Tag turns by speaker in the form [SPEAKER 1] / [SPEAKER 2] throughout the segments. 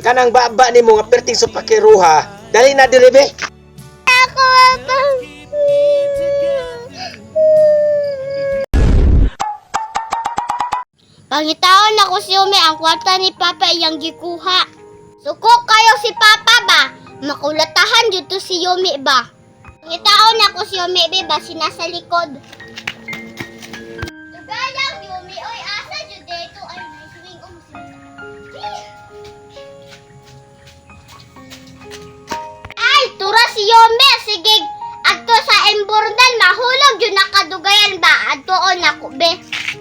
[SPEAKER 1] Kanang baba ni mo nga perting sa pakiruha. Dali na dili be.
[SPEAKER 2] Ako pa. Pangitaon ako si Umi, ang kwarta ni Papa iyang gikuha. Suko kayo si Papa ba? Makulatahan dito si Yumi ba? Pangitaon ako si Yumi ba, sinasa likod. Tugalang Yumi, oy asa dyan dito. Ay, naiswing Ay, tura si Yumi, sige. Adto sa emburnal, mahulog yun nakadugayan ba? Adtoon ako, be.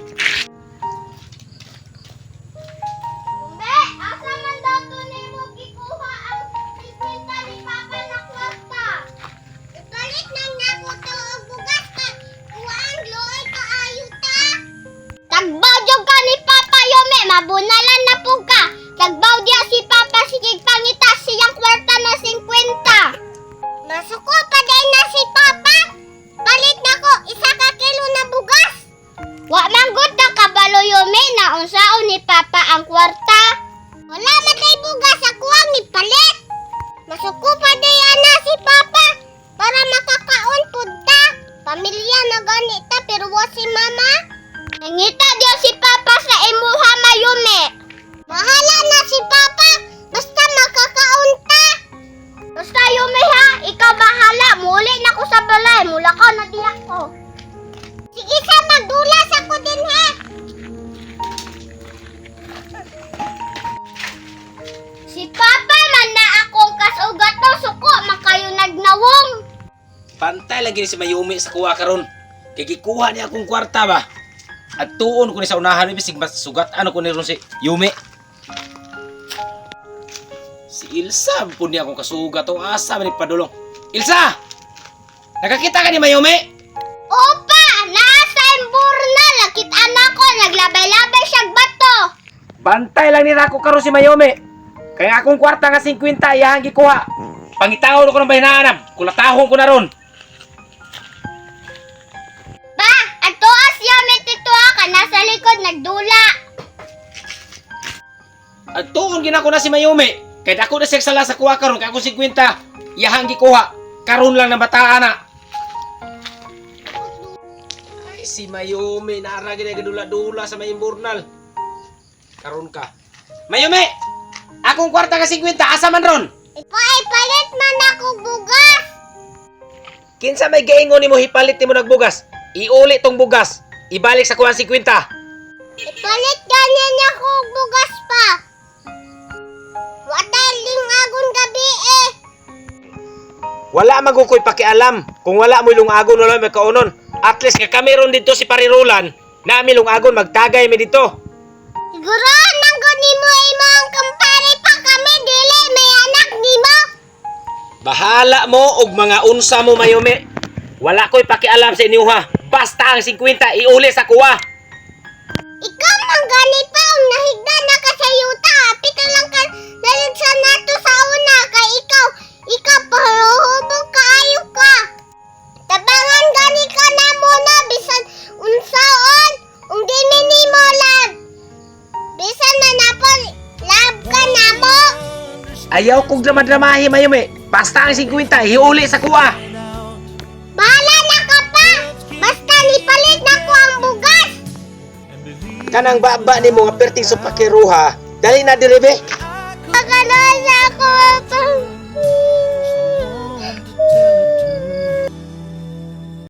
[SPEAKER 2] Be, asa man daw to nimo gikuha ang 50 ni Papa na kwarta? Ipalit nang nako to og bugas ka. Kuwang loy ka ayuta. Tagbaw jud ka ni Papa Yome, mabunalan na pug ka. Tagbaw diya si Papa sige pangita siyang kwarta na 50. Masuko pa din na si Papa. Palit nako isa ka kilo na bugas. Wa manggut na kabalo Yome na unsaon ni Papa ang kwarta. Wala matay bugas ako ang ipalit. Masuko pa diyan na si Papa para makakaon pud ta. Pamilya na ganita pero wa si Mama. Nangita diya si Papa sa imuha Mayume. Bahala na si Papa basta makakaon ta. Basta Yume ha, ikaw bahala. Muli na ko sa balay. Mula ka na diya ko. Sige sa magdulas ako din ha. Si Papa man na akong kasugat to. Suko, makayo nagnawong.
[SPEAKER 1] Pantay lagi ni si Mayumi sa kuha karon. Kay gikuha niya akong kwarta ba. At tuon ko ni sa unahan bisig mas sugat ano ko ni ron si Yumi. Si Ilsa pun niya akong kasugat o asa man ni padulong. Ilsa! Nakakita ka ni Mayumi?
[SPEAKER 2] Opa, nasa imburna. Lakit anak ko, naglabay-labay siyang bato.
[SPEAKER 1] Bantay lang ni Rako karon si Mayumi. Kaya akong kwarta nga 50 iyang gikuha. Pangitawon ko ng bahinanam. Kulatahon ko na ron.
[SPEAKER 2] Ba, ato as yamit ito ka nasa likod nagdula.
[SPEAKER 1] At tuon ginako na si Mayumi. Kaya ako na siya sala sa kuha karon. Kaya ako 50 iyang gikuha. Karon lang na bataan na. Ay, si Mayumi. Naaragin na gadula-dula sa may imburnal. Karon ka. Mayumi! Akong kwarta ka 50. Asa man ron?
[SPEAKER 2] Ipalit man ako bugas.
[SPEAKER 1] Kinsa may gaingon nimo hipalit nimo nagbugas? Iuli tong bugas. Ibalik sa kuha 50.
[SPEAKER 2] Ipalit ganyan ako bugas pa. Wadaling agon gabi eh.
[SPEAKER 1] Wala magukoy pakialam. Kung wala mo lungagon wala may kaunon. At least nga kami ron dito si Parirulan. Nami lungagon magtagay mi dito.
[SPEAKER 2] Siguro nanggo nimo imong kumpare pa kami dili may anak nimo.
[SPEAKER 1] Bahala mo og mga unsa mo Mayumi. Wala ko'y pakialam sa inyo ha. Basta ang 50 iuli sa kuha.
[SPEAKER 2] Ikaw man gani pa ang nahigda na ka sa yuta. Happy ka lang ka naligsa nato sa una kay ikaw paruhubog kaayo ka. Tabangan gani ka na muna bisan unsaon ung dili nimo lab. Bisan na napol lab ka na mo.
[SPEAKER 1] Ayaw kong drama-dramahi Mayumi. Basta ang 50 iuli sa kuha.
[SPEAKER 2] Bahala na ka pa. Basta nipalit na ko ang bugas.
[SPEAKER 1] Kanang baba ni mo nga perting sa pakiruha. Dali na diri be.
[SPEAKER 2] Pagkano sa